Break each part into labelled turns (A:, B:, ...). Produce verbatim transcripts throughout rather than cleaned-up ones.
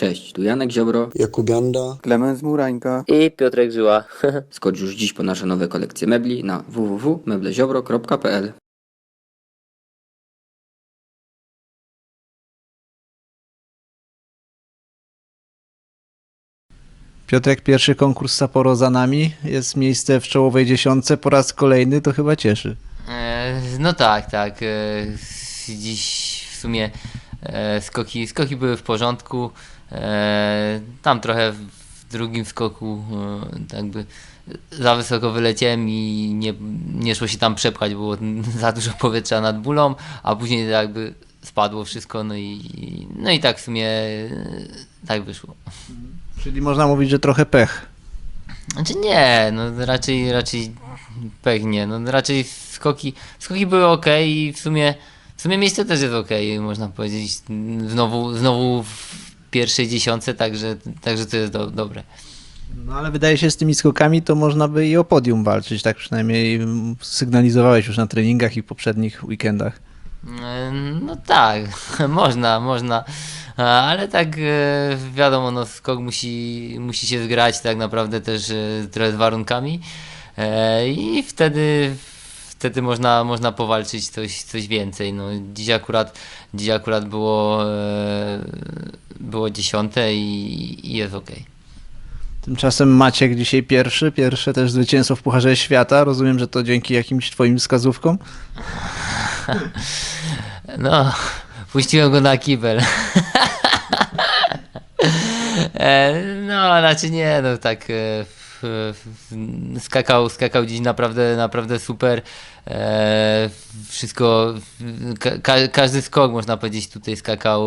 A: Cześć, tu Janek Ziobro.
B: Jakub Janda,
C: Klemens Murańka
D: I Piotrek Żyła.
A: Skocz już dziś po nasze nowe kolekcje mebli na w w w kropka mebleziobro kropka p l.
C: Piotrek, pierwszy konkurs Sapporo za nami, jest miejsce w czołowej dziesiątce, po raz kolejny, to chyba cieszy.
D: E, no tak, tak. E, dziś w sumie e, skoki, skoki były w porządku. E, tam trochę w drugim skoku e, jakby za wysoko wyleciałem i nie, nie szło się tam przepchać, było za dużo powietrza nad bulą, a później jakby spadło wszystko, no i, no i tak w sumie e, tak wyszło.
C: Czyli można mówić, że trochę pech.
D: Znaczy nie, no raczej, raczej pech nie, no raczej skoki, skoki były ok i w sumie, w sumie miejsce też jest ok, można powiedzieć, znowu, znowu w pierwszej dziesiątce, także, także to jest do, dobre.
C: No ale wydaje się, z tymi skokami to można by i o podium walczyć, tak przynajmniej sygnalizowałeś już na treningach i poprzednich weekendach.
D: No tak, można, można, ale tak wiadomo, no skok musi, musi się zgrać tak naprawdę też trochę z warunkami i wtedy, wtedy można, można powalczyć coś, coś więcej. No, dziś akurat, dziś akurat było, było dziesiąte i, i jest okej.
C: Tymczasem Maciek dzisiaj pierwszy, pierwsze też zwycięstwo w Pucharze Świata. Rozumiem, że to dzięki jakimś twoim wskazówkom?
D: No, puściłem go na kibel. No, znaczy nie, no tak skakał, skakał dziś naprawdę, naprawdę super. Wszystko, ka każdy skok można powiedzieć tutaj skakał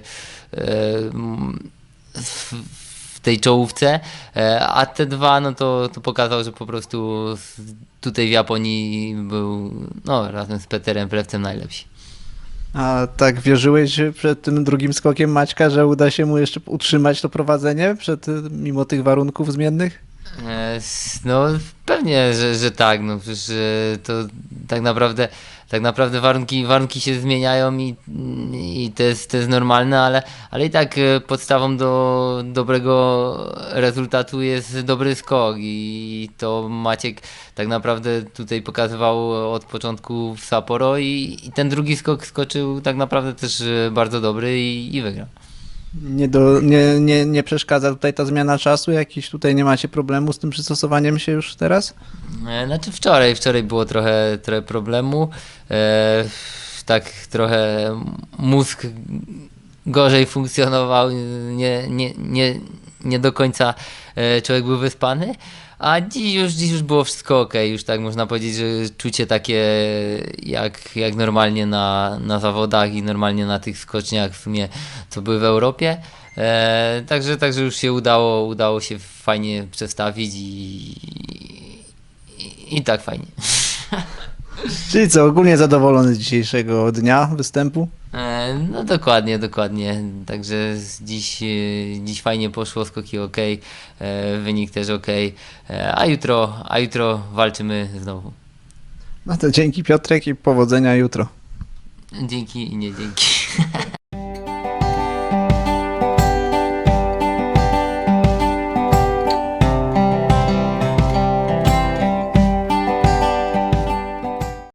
D: w, w tej czołówce, a te dwa, no to, to pokazał, że po prostu tutaj w Japonii był, no razem z Peterem Plewcem najlepsi.
C: A tak wierzyłeś przed tym drugim skokiem Maćka, że uda się mu jeszcze utrzymać to prowadzenie przed, mimo tych warunków zmiennych?
D: No pewnie, że, że tak, no przecież to tak naprawdę, tak naprawdę warunki, warunki się zmieniają i, i to, jest, to jest normalne, ale, ale i tak podstawą do dobrego rezultatu jest dobry skok i to Maciek tak naprawdę tutaj pokazywał od początku w Sapporo i, i ten drugi skok skoczył tak naprawdę też bardzo dobry i, i wygrał.
C: Nie, do, nie, nie, nie przeszkadza tutaj ta zmiana czasu? Jakiś tutaj nie macie problemu z tym przystosowaniem się już teraz?
D: Znaczy wczoraj, wczoraj było trochę, trochę problemu. E, tak trochę mózg gorzej funkcjonował, nie, nie, nie, nie do końca człowiek był wyspany. A dziś już, dziś już było wszystko ok, już tak można powiedzieć, że czucie takie jak, jak normalnie na, na zawodach i normalnie na tych skoczniach w sumie, co były w Europie. E, także, także już się udało, udało się fajnie przestawić i, i, i tak fajnie.
C: Czyli co, ogólnie zadowolony z dzisiejszego dnia występu?
D: E, no dokładnie, dokładnie. Także dziś, dziś fajnie poszło, skoki ok, e, wynik też ok, e, a jutro, a jutro walczymy znowu.
C: No to dzięki Piotrek i powodzenia jutro.
D: Dzięki i nie dzięki.